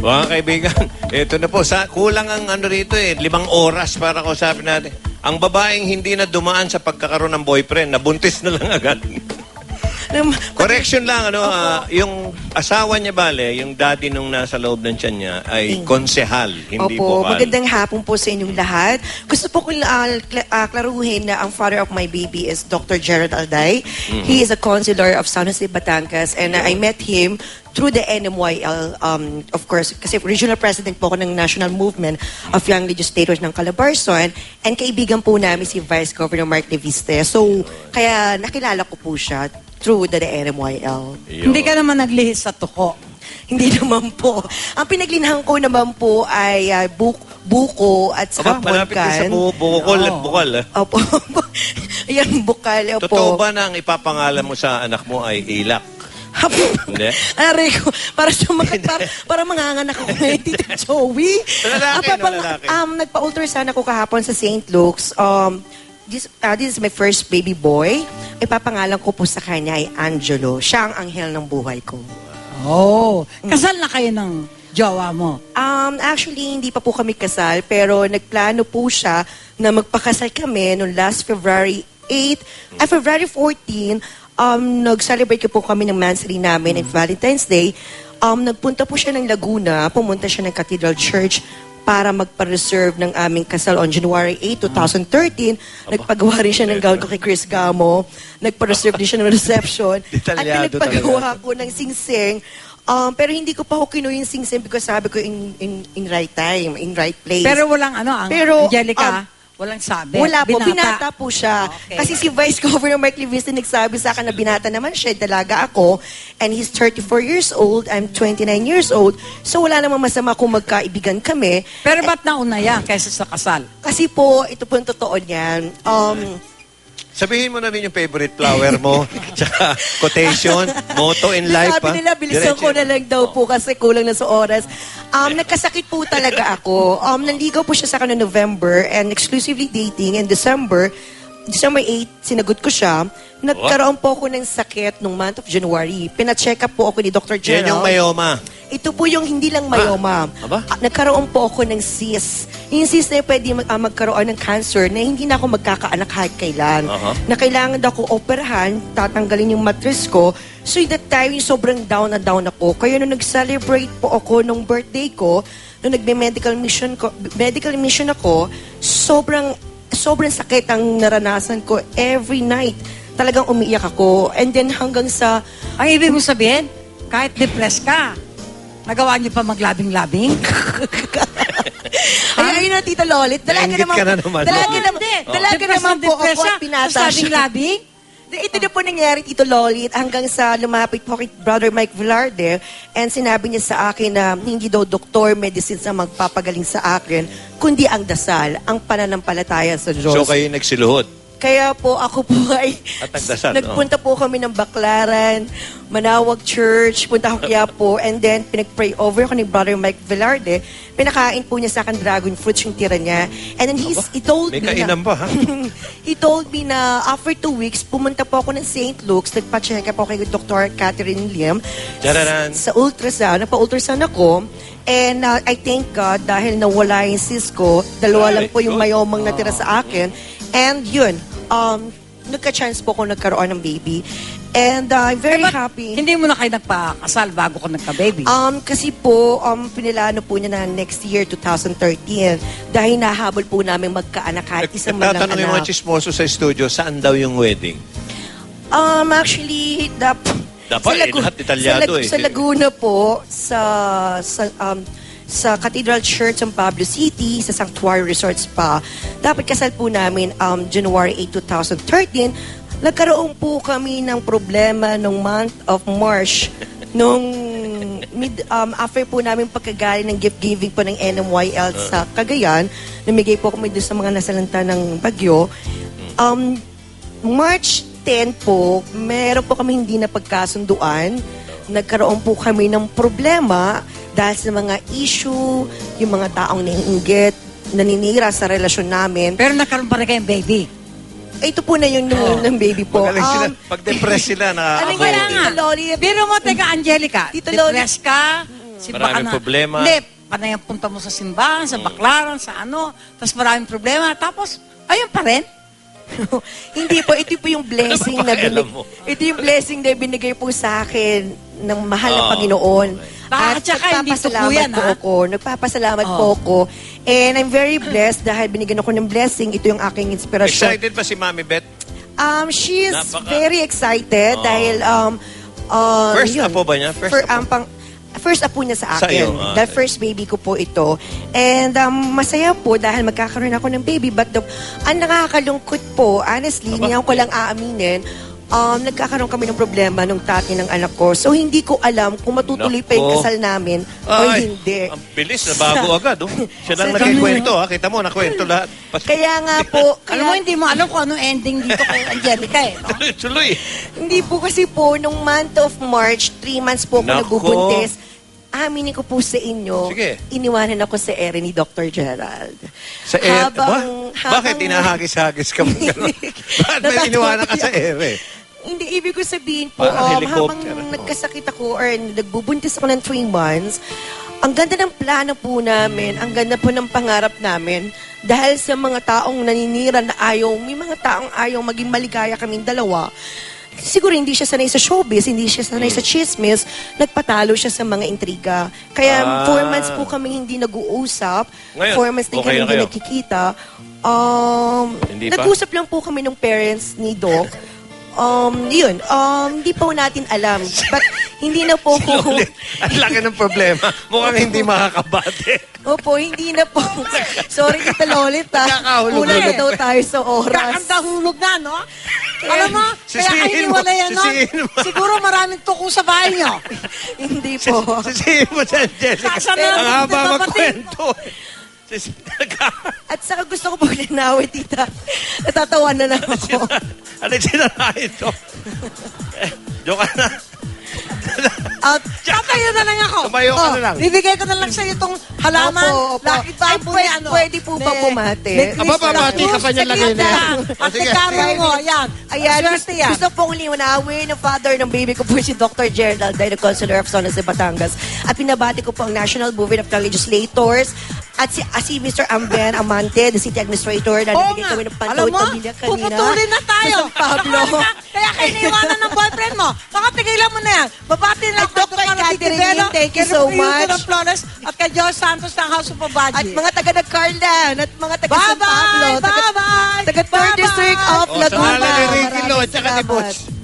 Mga kaibigan, ito na po. Kulang ang ano rito 5 oras para kausapin natin. Ang babaeng hindi na dumaan sa pagkakaroon ng boyfriend, nabuntis na lang agad. Correction lang, yung asawa niya yung daddy nung nasa loob ng tiyan niya ay konsehal, hindi Opo, bokal. magandang hapon po sa inyong lahat. Gusto po kong klaruhin na ang father of my baby is Dr. Gerald Alday. He is a counselor of San Jose, Batangas, and I met him through the NMYL, of course, kasi regional president po ako ng National Movement of Young Legislators ng Calabarzon, and kaibigan po namin si Vice Governor Mark Leviste. So, kaya nakilala ko po siya through the NMYL. Hindi ka naman naglihis sa tuko. Hindi naman po. Ang pinaglinahan ko naman po ay buko at saka malapit din sa bukol at bukal. Opo. Ayan, bukal. Opo. Totoo ba na ang ipapangalan mo sa anak mo ay Ilak? Hindi? Aray ko, para manganganak ako ngayon, Tito Joey. Lalaki. Nagpa-ultrasound ako kahapon sa St. Luke's. This is my first baby boy. Ipapangalan ko po sa kanya ay Angelo. Siya ang anghel ng buhay ko. Oh, kasal na kayo ng jowa mo? Actually, hindi pa po kami kasal, pero nagplano po siya na magpakasal kami noong last February 8, February 14, nag-celebrate po kami ng mansary namin ng Valentine's Day. Nagpunta po siya ng Laguna, pumunta siya ng Cathedral Church para magpa-reserve ng aming kasal on January 8, 2013. Nagpagawa rin siya ng gown ko kay Chris Gamo. Nagpa-reserve din siya ng reception. At nagpagawa ko ng sing-sing. Pero hindi ko pa ako kinuha yung sing-sing because sabi ko in right time, in right place. Pero walang Angelica, walang sabi. Wala po, binata po siya. Okay. Kasi si Vice Governor Mark Leviste nagsabi sa akin na binata naman siya, dalaga ako, and he's 34 years old, I'm 29 years old, so wala namang masama kung magkaibigan kami. Pero ba't nauna yan kaysa sa kasal? Kasi po, ito po yung totoo niyan. Sabihin mo namin yung favorite flower mo, tsaka quotation, motto in life. Sabi nila, bilisan ko na lang daw po kasi kulang na sa oras. Nagkasakit po talaga ako. Nanligaw po siya sa akin noong November and exclusively dating in December 8, sinagot ko siya. Nagkaroon po ako ng sakit nung month of January. Pina-check up po ako ni Dr. Gerald. Yan yung myoma. Ito po yung hindi lang myoma. Nagkaroon po ako ng cyst. Yung cyst na pwede magkaroon ng cancer na hindi na ako magkakaanak kahit kailan. Na kailangan daw ako operahan, tatanggalin yung mattress ko. So that time, yung sobrang down na down ako. Kaya nung nag-celebrate po ako nung birthday ko, nung nagme-medical mission ako, sobrang sakit ang naranasan ko every night. Talagang umiiyak ako. And then hanggang sa... Ang ibig mo sabihin, kahit depressed ka, nagawa niyo pa maglabing-labing? Ayun na, Tita Lolit. Dalaga naman po ako at pinata siya. Labing? Ito na po nangyari, Tito Lolit, hanggang sa lumapit po kay Brother Mike Velarde and sinabi niya sa akin na hindi daw doktor, medicines ang magpapagaling sa akin, kundi ang dasal, ang pananampalataya sa Diyos. So kayo nagsiluhod? Kaya po ako po ay nagpunta po kami ng Baclaran, Manawag Church, punta ako kaya po, and then pinag-pray over ako ni Brother Mike Velarde. Pinakain po niya sa akin dragon fruits yung tira niya. And then he told me he told me na after 2 weeks, pumunta po ako ng St. Luke's, nagpa-check up ako kay Dr. Catherine Lim sa ultrasound. Nagpa-ultrasound ako. And I thank God dahil nawala yung cyst ko, 2 lang po yung mayomang natira sa akin. And yun, nagka-chance po ako nagkaroon ng baby. And I'm very happy. Hindi mo na kayo nagpakasal bago ko nagka-baby? Kasi po, pinilano po niya na next year, 2013, dahil nahabol po namin magkaanak kahit isang man lang anak. Tatanong yung mga chismoso sa studio, saan daw yung wedding? Actually, Dapat lahat detalyado Sa Laguna po, sa Cathedral Church ng Pablo City, sa Sanctuary Resorts pa. Dapat kasal po namin January 8, 2013. Nagkaroon po kami ng problema nung month of March. After po namin pagkagaling ng gift giving po ng NMYL sa Cagayan, namigay po kami doon sa mga nasalanta ng bagyo. March 10 po, meron po kami hindi na pagkasunduan. Nagkaroon po kami ng problema dahil sa mga issue, yung mga taong naiinggit, naninira sa relasyon namin. Pero nagkaroon pa rin kayong baby? Ito po na yung ng baby po. Pag-depress sila, Alam ko na nga. Biro mo, teka, Angelica, depressed ka, Maraming problema. Hindi, panay ang punta mo sa simbahan, sa baklaran, sa ano, tapos maraming problema. Tapos, ayun pa rin. Hindi po, ito po yung blessing Ano ba na pakialam mo? ito yung blessing na binigay po sa akin ng mahal na Panginoon. At saka hindi totoo yan, po ha? ako. Nagpapasalamat po ako. And I'm very blessed dahil binigyan ako ng blessing. Ito yung aking inspirasyon. Excited pa si Mami Beth? She is Napaka- very excited dahil First yun. apo ba niya? First apo niya sa Sa akin. iyo, The first baby ko po ito. And masaya po dahil magkakaroon ako ng baby. But ang nakakalungkot po, honestly, hindi ko lang aaminin, nagkakaroon kami ng problema nung tatay ng anak ko. So, hindi ko alam kung matutuloy pa yung Nako. kasal namin o Ay, hindi. ang bilis, nabago agad. Oh. Siya lang Sa- nagkikwento. Ha? Kita mo, nakwento lahat. Kaya nga po, Alam mo, hindi mo alam kung anong ending dito kay Angelica eh. No? Tuloy. hindi po kasi po, nung month of March, 3 months po ako Nako. nagbubuntis. Aminin ko po sa inyo, Sige. iniwanan ako sa ere ni Dr. Gerald. Sa Bakit inahagis-hagis ka mo? Bakit may iniwanan ka sa ere? Hindi, ibig ko sabihin po, Parang habang helicopter, oh. nagkasakit ako or nagbubuntis ako ng 3 months, ang ganda ng plano po namin, ang ganda po ng pangarap namin, dahil sa mga taong naninira na ayaw, may mga taong ayaw maging maligaya kaming dalawa, siguro hindi siya sanay sa showbiz, hindi siya sanay sa chismis, nagpatalo siya sa mga intriga. Kaya 4 months po kami hindi nag-uusap, Ngayon, 4 months din okay kami na hindi kayo? nagkikita. Hindi pa? Nag-usap lang po kami ng parents ni Doc. Hindi po natin alam. But hindi na po ko... Ulit. Ang laki ng problema. Mukhang hindi makakabate. Opo, hindi na po. Sorry, Tita Lolit, ha. Nakakahulog Kulang na ulit. daw tayo sa oras. Kakanta hulog na, no? Alam mo, kaya Sisihin kayo mo, wala yan, no? sisihin mo. Siguro maraming tuko sa bahay nyo. Hindi po. Sisihin mo si Angelica. Saan na Ang natin haba nababatid? magkwento. At saka gusto ko po linawin, Tita. Natatawa na lang ako. Ano yung sinarahin to? Joke na. At tatayo na lang ako. Tumayo ka na lang. Bibigay ko na lang sa iyo itong halaman. Opo, opo. Lucky bamboo Ay, na ano. pwede po ba bumati? Aba, babati ka pa niyan lagi na yan. At Sige. ikaro mo, ayan. Ayan, Swerte yan. gusto pong liwanawin ng father ng baby ko po si Dr. Gerald, the Consular of Zona sa Batangas. At pinabati ko po ang National Movement of the Legislators at si Mr. Amben Amante, the City Administrator, na Oo nabigyan nga. kami ng Alam pantawid mo, pamilya kanina. puputulin na tayo. Sa San Pablo. Kaya kayo naiwanan ng boyfriend mo. Baka tigilan mo na yan. Babati na At Dr. Catherine, thank you so much. Ng Flores, at kay Joy Santos ng House of At Obadji. mga taga Nagcarlan at mga taga San Pablo. Bye-bye! Bye-bye! Taga 3rd District of O, sa Laguna. ngalan ni Ricky Lo, Maraming tsaka ni salamat. Butch.